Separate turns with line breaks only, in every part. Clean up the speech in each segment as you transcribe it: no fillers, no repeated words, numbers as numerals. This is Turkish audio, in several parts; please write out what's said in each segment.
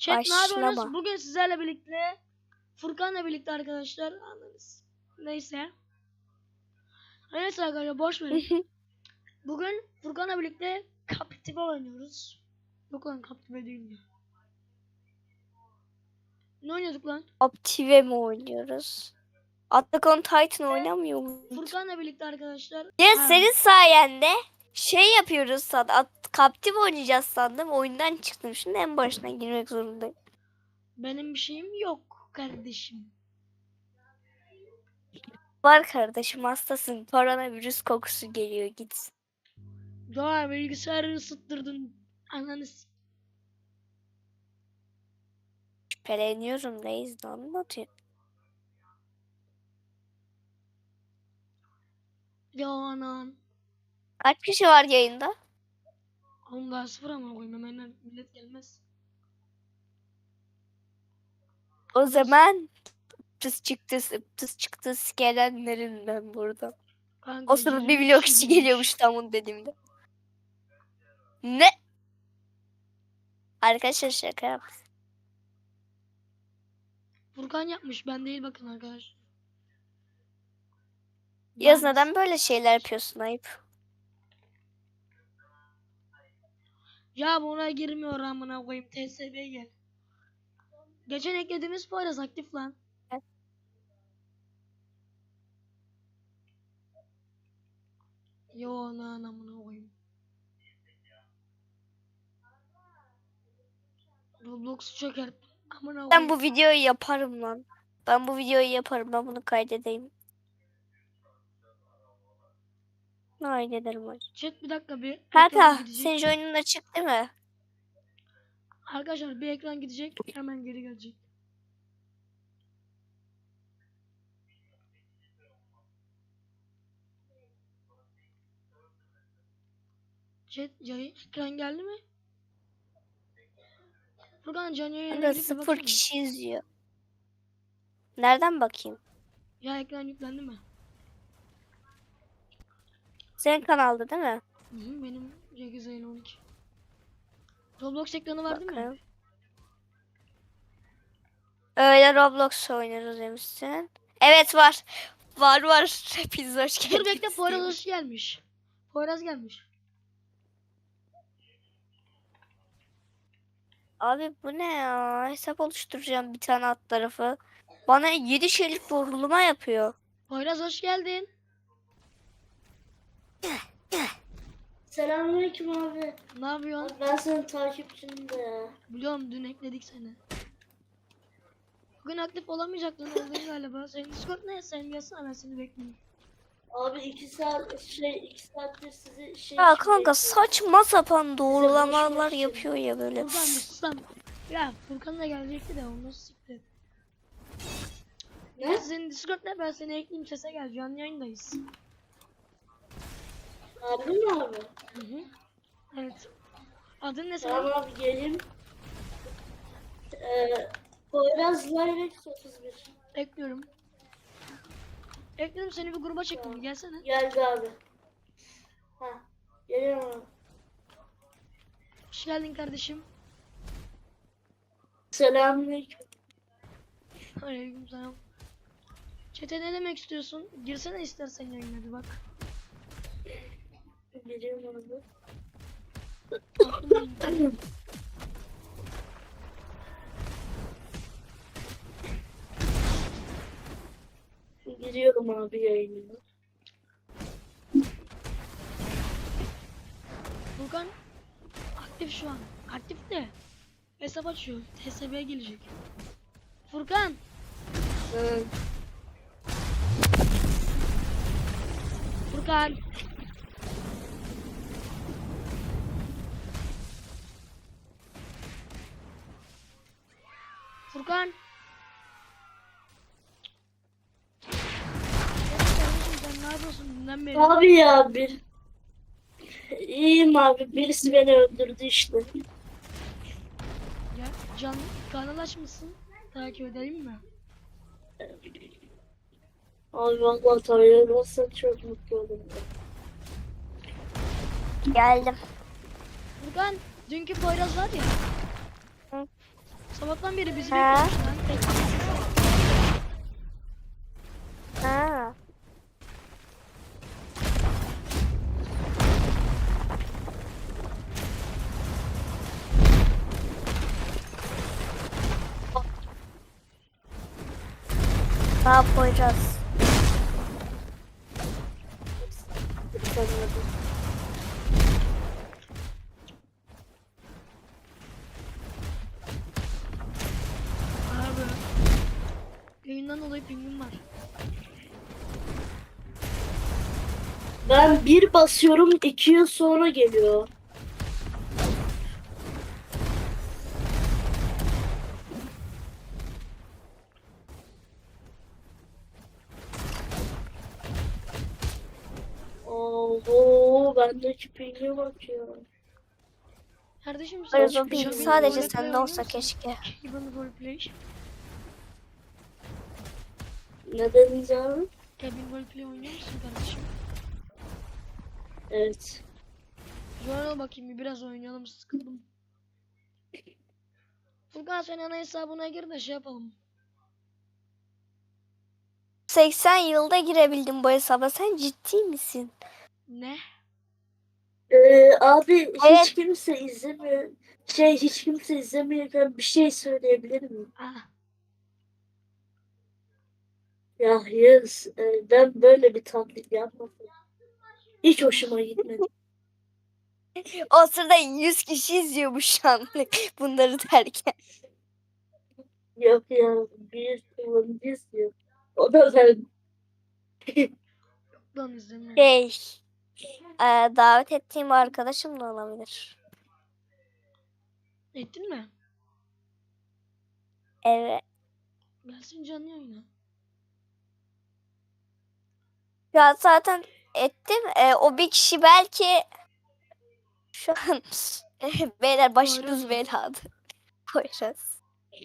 Chat ne yapıyorsunuz?
Başlama.
Bugün sizlerle birlikte Furkan'la birlikte arkadaşlar anladınız. Neyse. Neyse arkadaşlar boş verin. Bugün Furkan'la birlikte Captiva oynuyoruz. Yok lan Captiva değil ya. Ne oynuyorduk lan?
Optive mi oynuyoruz? Attack on Titan oynamıyor muyuz?
Furkan'la birlikte arkadaşlar.
Ya
Ha,
senin sayende şey yapıyoruz sandım. Captive oynayacağız sandım. Oyundan çıktım. Şimdi en başına girmek zorundayım.
benim bir şeyim yok kardeşim.
Var kardeşim, hastasın. Koronavirüs kokusu geliyor, git.
Ya bilgisayarı ısıttırdın. Ananı
Şüpheleniyorum reis, ne anlatıyor?
Ya anan.
Kaç kişi var yayında?
Oğlum daha sıfır ama koyayım hemen millet gelmez.
O zaman ıptıs çıktı gelenlerin ben burada.
Kanka
O sırada
Ceren
bir
bir
vlog
şey
kişi
demiş.
geliyormuş tamam dediğimde. Ne? Arkadaşlar şaka yap.
Furkan yapmış ben değil bakın arkadaşlar.
Yaz,
Lanet.
neden böyle şeyler yapıyorsun, ayıp.
Ya buna girmiyor amına koyayım TSB gel. Geçen eklediğimiz Poyraz aktif lan. Yo lan amına koyayım. Roblox'u çökert. Amına
Ben
koyayım.
bu videoyu yaparım lan. Ben bu videoyu yaparım. Ben bunu kaydedeyim. Kaydederim hocam.
Chat bir dakika bir ekran
Kanka
gidecek.
senin oyunun açık değil mi?
Arkadaşlar bir ekran gidecek hemen geri gelecek. Chat ekran geldi mi? Furkan canlı yayına
Kanka
girip bir
0
baksana.
kişi izliyor. Nereden bakayım?
Ya ekran yüklendi mi?
Senin kanalda değil mi?
Hı hı, benim C8 ayın 12. Roblox ekranı var değil mi?
Bakayım. Öyle Roblox oynarız demişsin. Evet var. Var. Hepiniz hoş geldiniz.
Dur bekle Poyraz hoş gelmiş. Poyraz gelmiş.
Abi bu ne ya? Hesap oluşturacağım bir tane alt tarafı. Bana 7 şeylik vurulma yapıyor.
Poyraz hoş geldin.
Selamünaleyküm abi.
Ne yapıyorsun?
Abi ben senin takipçinim de ya.
Biliyorum dün ekledik seni. Bugün aktif olamayacaktın oldun galiba. Senin Discord ne? Sen yazsana ben seni bekliyorum.
Abi 2 saattir sizi şey
Ya
için
kanka
bekliyorum.
saçma sapan doğrulamalar
konuşmak için.
yapıyor ya böyle.
Furkan bir sus lan. Ya Furkan da gelecekti de onu siktir.
Ne?
Senin Discord ne? Ben seni ekleyeyim sese gel. Canlı yayındayız.
Abi mi abi?
Hı hı. Evet. Adın ne senin?
Tamam abi geleyim. Poyraz Lirex 31.
Ekliyorum. Ekledim seni bir gruba çektim. Gelsene.
Geldi abi. Ha. Geliyorum abi.
Hoş geldin kardeşim.
Selamünaleyküm.
Aleykümselam. Çete ne demek istiyorsun? Girsene istersen yayına bir bak.
Geliyorum abi.
Aklım
Giriyorum abi yayınına.
Furkan aktif şu an. Aktif de. Hesap açıyor. TSB'ye gelecek. Furkan.
Hı.
Furkan. Furkan. Kardeşim sen ne yapıyorsun dünden beri?
Abi ya bir... İyiyim abi. Birisi beni öldürdü işte.
Ya can kanal açmışsın. Takip edelim mi?
Abi vallahi tanıyamazsan çok mutlu olurum.
Geldim.
Furkan dünkü Poyraz var ya.
Hı.
Sabahtan beri bizi
Ha?
bekliyormuş lan.
Ha. Ne yapacağız?
Abi. Yayından dolayı pingim var.
Ben bir basıyorum 2 yıl sonra geliyor. Oo, bendeki pinge bak ya.
Kardeşim
Hayır, o
Cabin
ping sadece
roleplay
sende
oynuyor
olsa
musun?
keşke.
Cabin roleplay.
Ne dediniz abi?
Cabin roleplay oynuyor musun kardeşim?
Evet.
Joan'a bakayım bir biraz oynayalım, sıkıldım. Furkan sen ana hesabına gir de şey yapalım.
80 yılda girebildim bu hesaba. Sen ciddi misin?
Ne?
Abi
Evet.
hiç kimse izlemiyor. Hiç kimse izlemiyorken bir şey söyleyebilir miyim?
Ah,
Ya Yağız, ben böyle bir taklit yapmadım. Hiç hoşuma gitmedi.
O sırada 100 kişi izliyormuş şu an bunları derken.
Yok ya, bir kullanıcı izliyor. O da ben.
lan izleme.
Davet ettiğim arkadaşım da olabilir.
Ettin mi?
Evet.
Gelsin canlı yayına.
Ya zaten ettim. O bir kişi belki şu an beyler başımız belada. Koyacağız.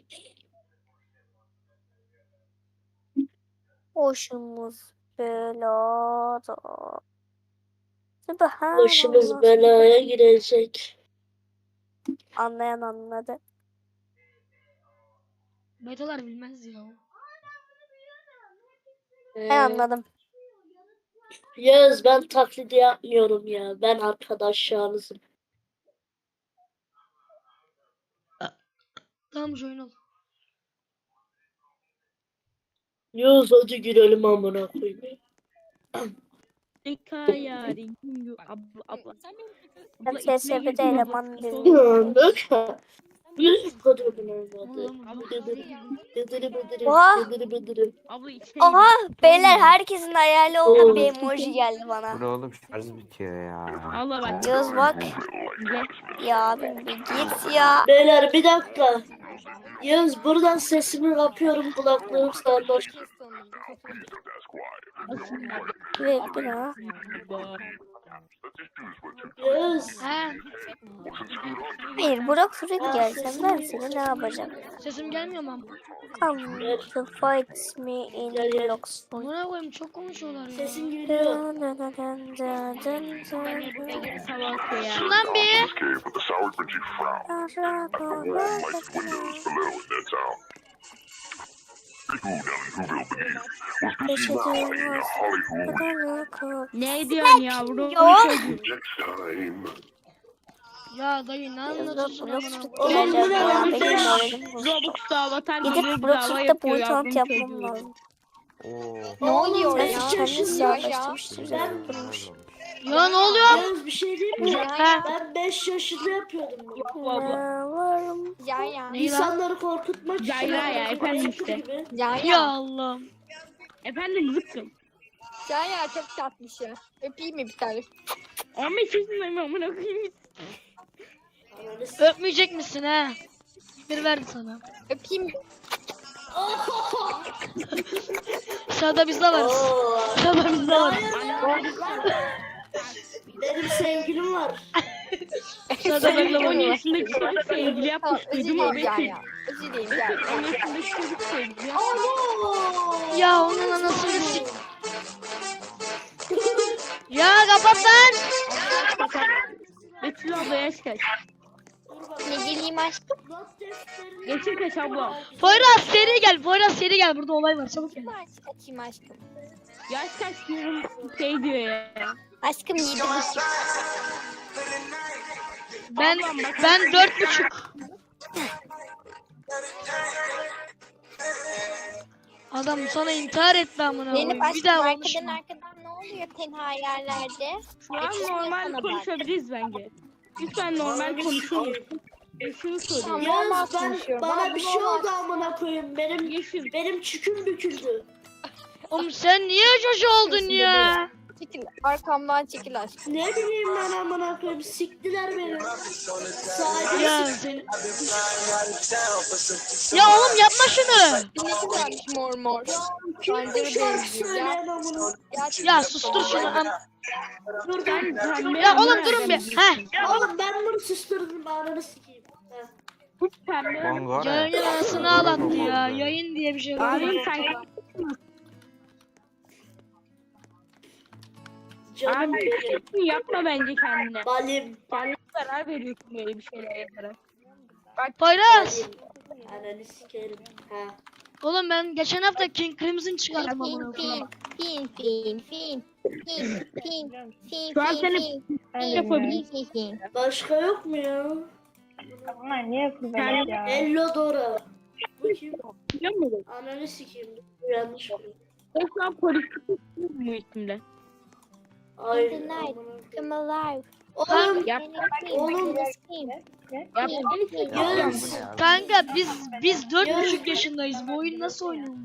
Başımız belada.
Başımız
Subhanallah.
belaya girecek.
Anlayan anladı.
Betalar bilmez ya.
Ben anladım.
Yağız, ben taklidi yapmıyorum ya. Ben arkadaşlarınızım.
Tamam join ol.
Yağız hadi girelim amına koyayım.
Yarin abla abla.
Ben TSB'de eleman değilim.
Ya bak. Yağız kadının olmadı.
Oğlum,
Bıdırı bıdırı
Oha.
bıdırı bıdırı.
Abla içine
Oha beyler herkesin hayali olan
Oo.
bir emoji geldi
Bu
bana.
ne oğlum, şarj bitiyor ya.
Allah bak.
Yağız bak. Ya abim bir git ya.
Beyler bir dakika. Yağız buradan sesimi kapıyorum, kulaklığım sarhoş.
Bekle ha.
Yağız.
he,
Hayır Burak Fırık gelsem ben seni ne yapacağım?
sesim gelmiyor mu?
Come to fight me in
Gel, gel.
blocks.
Buna koyayım çok konuşuyorlar ya.
Sesin geliyor.
Salak ya.
Şundan bir.
Ne diyorsun yavrum?
Yok.
Ya dayı ne anlatıyorsun
Blok
amına?
Fırık
Oğlum bu ne
geldi.
lan?
Benim moralim bozuldu.
Robux'ta avatar
Gidip
geliyor
Blok
dava
Fırık'ta
yapıyor
point
yavrum
hunt yapmam
çocuğu.
lazım.
Oo.
Oğlum,
Sen
beş
kendini
yaşındayım.
siyahlaştırmıştır. Durmuş.
Ya ne oluyor?
Yağız bir şey diyeyim mi?
He.
Ben 5 yaşında yapıyordum bunu.
Bu abla.
Ne varım?
Neyi lan?
İnsanları korkutmak için.
Cayla ya, efendim işte.
Gibi.
Ya Allah'ım.
Efendim zıkkım.
Ya çok tatlış ya. Öpeyim mi bir tane?
15 yaşındayım amına koyayım.
Öpmeyecek misin he? Bir verdi sana.
Öpeyim mi?
Sağda biz de varız.
Oo.
Sağda biz de varız.
Benim sevgilim var.
Sağda ben de
10
varım.
yaşındaki çocuk sevgili
Tamam
yapmış.
özür
Duydun mu
dileyim
Betül?
ya. Özür dileyim ya.
10 yaşındaki çocuk sevgili yapmış.
Ya onun anasını sik. Ya kapat lan.
Betül abla yaş kaç?
Ne geleyim aşkım?
Not defterini...
Geçin kaç abla.
Poyraz seri gel. Poyraz seri gel. Burada olay var. Çabuk gel.
Kim aşk açayım aşkım?
Yaş kaç diyorum şey diyor ya.
Aşkım 7,5.
Ben 4,5. Adam sana intihar etti amına
Benim
koyayım. Bir
aşkım
daha olmuş
arkadan
mu?
arkadan ne oluyor tenha yerlerde?
Şu an
Geçmiyor
normal
sana bak.
konuşabiliriz bence. Lütfen normal konuşalım. Şunu soruyorum.
Normal
Yalnız
konuşuyorum.
bana
Abi
bir şey
normal.
oldu amına koyayım.
Yeşil.
Benim çüküm büküldü.
Oğlum sen niye çocuğu oldun ya?
Çekil arkamdan çekil aşkım.
Ne bileyim ben amına koyayım. Siktiler beni. Sadece
Ya seni... Ya oğlum yapma şunu.
Ne güzelmiş mor mor.
kim
Bence
bu
de
şarkı
benziyor.
söyleyen amına?
Ya sustur şunu.
Dur
Ben pembe.
Ya oğlum durun bir. Heh.
Oğlum ben bunu susturdum ananı sikeyim. Heh.
Bu pembe.
Bongora.
Yayının anasını ağlattı ya. Yayın diye bir şey var.
Abim sen
Canım
abi
benim.
küçüksün yapma bence kendine.
Balim.
Kendine zarar veriyorsun böyle bir şeyler yaparak.
Poyraz.
Balim. Ananı sikerim. Ha.
Oğlum ben geçen hafta King Crimson çıkardım
Fin
amına
fin
koyayım.
fin fin fin fin fin fin
Şu an
fin
seni
fin
yapabilirsin.
fin fin.
Başka yok mu ya? Hello Dora. Bu kim?
Biliyor musun?
Ananı sikeyim. Bu yanlış mı?
Ben şu an politik bu isimle.
Ay.
In the night.
amına
Come alive.
Oğlum.
Yap.
Oğlum.
Yalnız.
Kanka biz 4,5 yaşındayız. Bu oyun nasıl oynanıyor?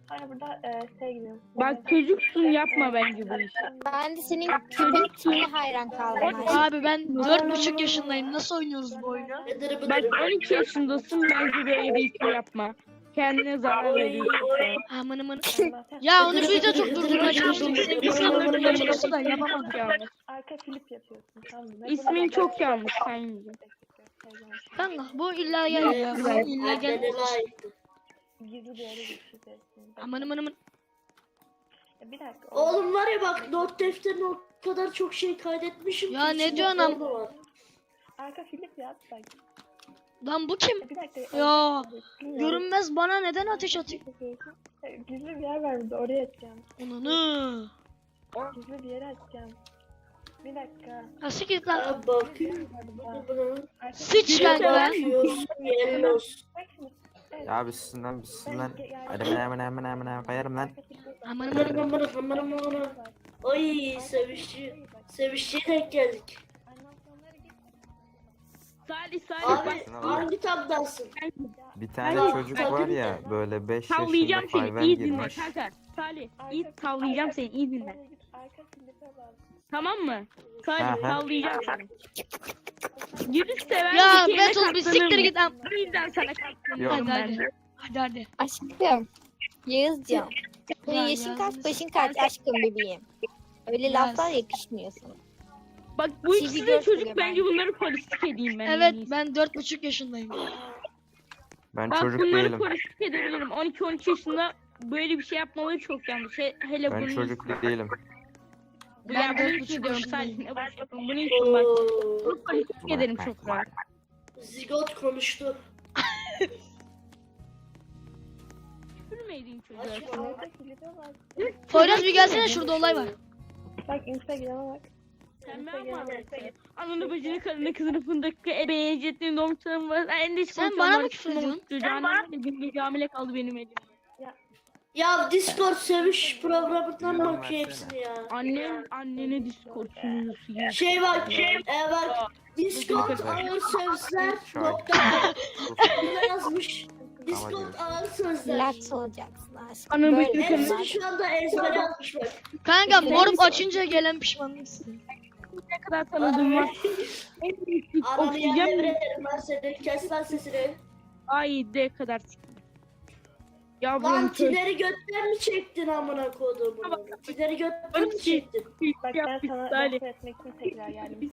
Bak çocuksun yapma bence bu işi.
Ben de senin köpek tipine hayran kaldım aşkım.
Abi ben 4,5 yaşındayım. Nasıl oynuyoruz bu oyunu?
Nedir bu
Bak
derim?
12 yaşındasın bence böyle bir şey yapma. Kendine zarar veriyorsun.
Aman aman. Ya onu biz de çok durdurmaya çalıştık. Sevgisini durdurmaya çalıştı da yapamadık.
Yanlış.
Arka flip yapıyorsun tamam mı?
İsmin çok yanlış sen.
Kanka bu illa gel ya. Bu illa gel.
Annene layıktı.
Gizli bir yere geçeceğiz.
Aman aman aman.
Bir dakika.
Oğlum var ya bak not defterine o kadar çok şey kaydetmişim.
Ya
ki
ne
içinde
diyorsun am-
porno var.
Arka flip yap bak.
Lan bu kim?
Bir dakika.
Ya
Bilmiyorum.
görünmez bana neden ateş atıyor?
Gizli bir yer var burada oraya atacağım.
Ananı.
Gizli bir yere atacağım. Bir dakika.
Ha siktir lan.
Ha bakayım. Buna.
Sıç kanka.
Bakıyorsun yellos.
Bak şimdi. Evet.
Ya bizsinden. Hadi hemen koyarım lan.
Aman
Aman
aman.
aman aman aman aman. Ay sevişçi. Sevişçiye denk geldik.
Salih Salih
Abi
bak.
hangi tabdansın?
Bir tane
Hayır,
çocuk
hayır.
var ya böyle 5 yaşında
Sallayacağım seni
hayvan
iyi dinle
girmiş.
kanka. Salih iyi sallayacağım seni iyi dinle.
Arka flip'e bak.
Tamam mı? Salih
Aha.
sallayacağım seni. Yürü seven
Ya
bir şeyine
Betul bir siktir
katlanır
git am.
mı? Bu yüzden sana
Yok.
katlanıyorum
Hadi
ben
hadi.
de.
Hadi hadi.
Aşkım. Yağızcan.
Ya
Yaşın kaç
Yağız.
başın kaç aşkım bebeğim. Öyle
Yağız.
laflar yakışmıyor sana.
Bak bu
Sizi
ikisi de
gösteriyor
çocuk bence bunları polislik edeyim ben. en
Evet
iyisi.
ben 4,5 yaşındayım.
Ben
Bak
çocuk
bunları
değilim.
polislik edebilirim. 12-13 yaşında böyle bir şey yapmaları çok yanlış. Hele
Ben
bunun
çocuk değilim.
Bu
Ben
ya bunu
4,5
için diyorum
yaşındayım.
Salih. Ne boş yapın. Bunu için bak.
Oo,
Bunu polislik ederim çok rahat.
zigot konuştu.
Gülmeydin çocuğa.
Açma.
Arka flip'e bak.
Poyraz bir gelsene şurada olay var.
Bak Instagram'a bak.
Sen ben mi anlatsın? Ananı bacını karını kızını fındıklı ebeğe cettiğin doğmuşlarım var. En de
Sen bana mı küfür ediyorsun?
Çocuğun gün gece hamile kaldı benim elimde.
Ya Discord seviş programından
Bilmem
bakıyor
versene.
hepsini ya.
Annene Discord sunucusu ya.
Şey bak, bak Discord ağır sözler nokta ne yazmış? Discord ağır sözler.
Relax olacaksın aşkım.
Anam
Böyle
bütün
Hepsini şu anda ezbere atmış bak.
Kanka moruk açınca gelen pişmanlıksın.
Ne kadar tanıdığım var. En büyük
Ananı yerine
oksijen
verelim ben seni. Kes lan sesini.
ay de kadar. Ya
Lan
bunun
Tiner'i götten mi çektin amına kodumun? Tiner'i götten mi çektin?
Bak ben sana laf etmek için tekrar geldim.